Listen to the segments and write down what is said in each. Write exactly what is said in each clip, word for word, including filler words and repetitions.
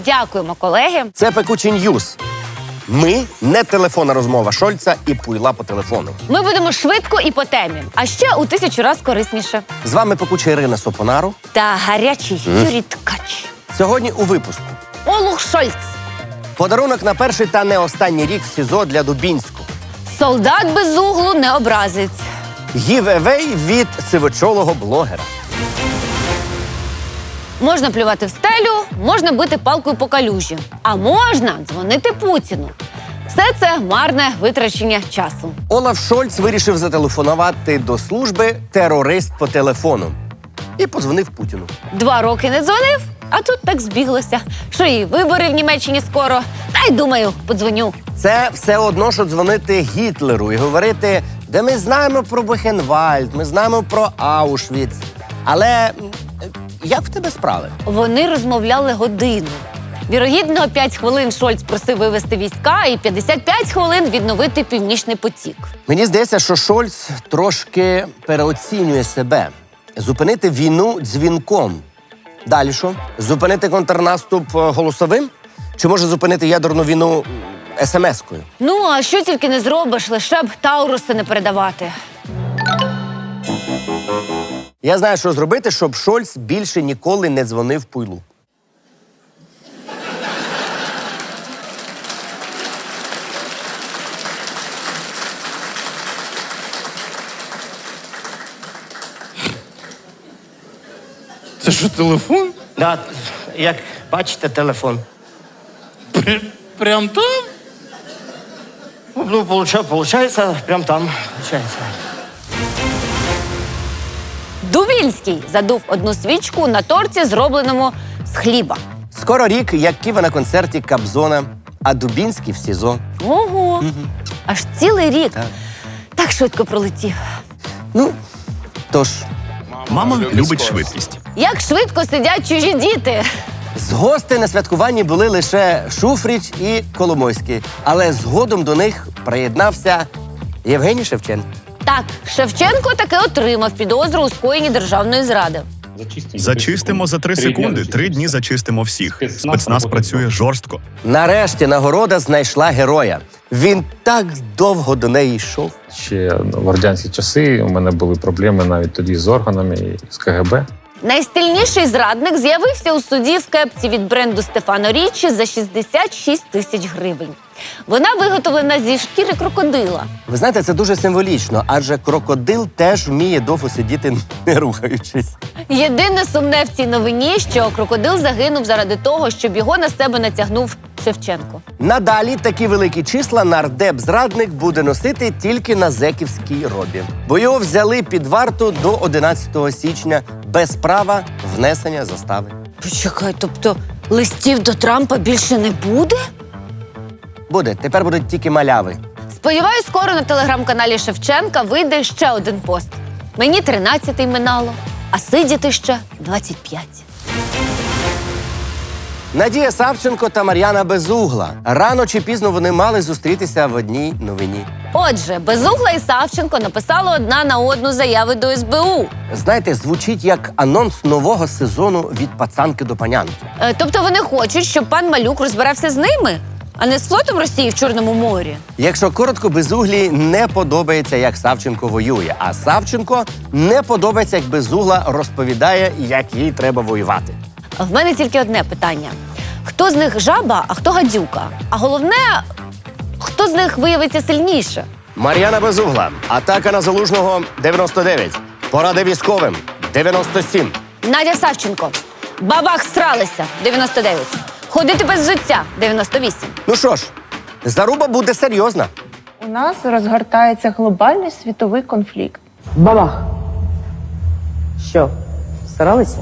Дякуємо, колеги. Це пекучий ньюз. Ми не телефонна розмова Шольца і пуйла по телефону. Ми будемо швидко і по темі, а ще у тисячу раз корисніше. З вами пекуча Ірина Сопонару. Та гарячий Юрій Ткач. Сьогодні у випуску. Олух Шольц. Подарунок на перший та не останній рік в СІЗО для Дубінського. Солдат без углу не образить. Гів-евей від сивочолого блогера. Можна плювати в стелю, можна бити палкою по калюжі, а можна дзвонити Путіну. Все це марне витрачення часу. Олаф Шольц вирішив зателефонувати до служби терорист по телефону. І подзвонив Путіну. Два роки не дзвонив, а тут так збіглося, що і вибори в Німеччині скоро. Та й думаю, подзвоню. Це все одно, що дзвонити Гітлеру і говорити, де ми знаємо про Бухенвальд, ми знаємо про Аушвіц. Але м, як в тебе справи? Вони розмовляли годину. Вірогідно, п'ять хвилин Шольц просив вивести війська і п'ятдесят п'ять хвилин відновити Північний потік. Мені здається, що Шольц трошки переоцінює себе. Зупинити війну дзвінком. Далі що? Зупинити контрнаступ е, голосовим? Чи може зупинити ядерну війну ес ем ес-кою? Ну, а що тільки не зробиш, лише б Тауруси не передавати. Я знаю, що зробити, щоб Шольц більше ніколи не дзвонив пуйлу. Це що, телефон? Да, як бачите, телефон. Пр- Прям там? Ну, получається, прям там. Получається. Дубінський задув одну свічку на торті, зробленому з хліба. Скоро рік, як Ківа на концерті Кабзона, а Дубінський в СІЗО. Ого! Аж цілий рік. Так. Так швидко пролетів. Ну, тож, Мама любить швидкість. Як швидко сидять чужі діти. з гостей на святкуванні були лише Шуфрич і Коломойський, але згодом до них приєднався Євгеній Шевченко. Так, Шевченко таки отримав підозру у скоєнні державної зради. Зачистимо за три секунди. Три дні зачистимо всіх. Спецназ працює жорстко. Нарешті нагорода знайшла героя. Він так довго до неї йшов. Ще в радянські часи у мене були проблеми навіть тоді з органами і з ка ге бе. Найстильніший зрадник з'явився у суді в кепці від бренду Стефано Річчі за шістдесят шість тисяч гривень. Вона виготовлена зі шкіри крокодила. Ви знаєте, це дуже символічно, адже крокодил теж вміє довго сидіти, не рухаючись. Єдине сумне в цій новині, що крокодил загинув заради того, щоб його на себе натягнув Шевченко. Надалі такі великі числа нардеп-зрадник буде носити тільки на зеківській робі. Бо його взяли під варту до одинадцятого січня без права внесення застави. Почекай, тобто листів до Трампа більше не буде? Буде. Тепер будуть тільки маляви. Сподіваюсь, скоро на телеграм-каналі Шевченка вийде ще один пост. Мені тринадцятий минало, а сидіти ще двадцять п'ять. Надія Савченко та Мар'яна Безугла. Рано чи пізно вони мали зустрітися в одній новині. Отже, Безугла і Савченко написали одна на одну заяви до ес бе у. Знаєте, звучить як анонс нового сезону від пацанки до панянки. Е, тобто вони хочуть, щоб пан Малюк розбирався з ними, а не з флотом Росії в Чорному морі. Якщо коротко, Безуглі не подобається, як Савченко воює, а Савченко не подобається, як Безугла розповідає, як їй треба воювати. В мене тільки одне питання. Хто з них жаба, а хто гадюка? А головне, хто з них виявиться сильніше? Мар'яна Безугла. Атака на Залужного дев'яносто дев'ять. Поради військовим дев'яносто сім. Надя Савченко. Бабах всралися дев'яносто дев'ять. Ходити без взуття дев'яносто вісім. Ну що ж, заруба буде серйозна. У нас розгортається глобальний світовий конфлікт. Бабах. Що, старалися?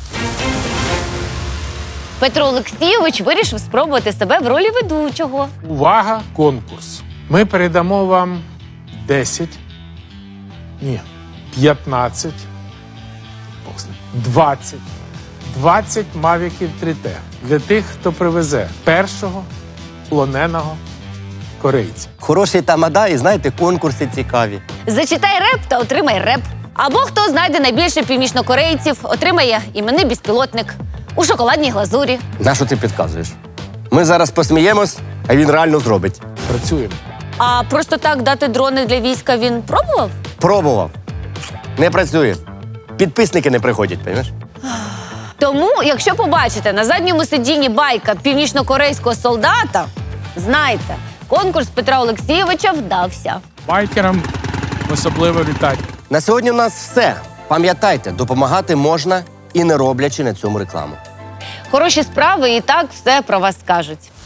Петро Олексійович вирішив спробувати себе в ролі ведучого. Увага, конкурс. Ми передамо вам десять, ні, п'ятнадцять, двадцять, двадцять мавіків три те для тих, хто привезе першого полоненого корейця. Хороший тамада і, знаєте, конкурси цікаві. Зачитай реп та отримай реп. Або хто знайде найбільше північнокорейців, отримає іменний безпілотник. у шоколадній глазурі. На що ти підказуєш? Ми зараз посміємось, а він реально зробить. Працюємо. А просто так дати дрони для війська він пробував? Пробував. Не працює. Підписники не приходять, розумієш? Тому, якщо побачите на задньому сидінні байка північнокорейського солдата, знайте, конкурс Петра Олексійовича вдався. Байкерам особливо вітати. На сьогодні у нас все. Пам'ятайте, допомагати можна і не роблячи на цьому рекламу. Хороші справи і так все про вас скажуть.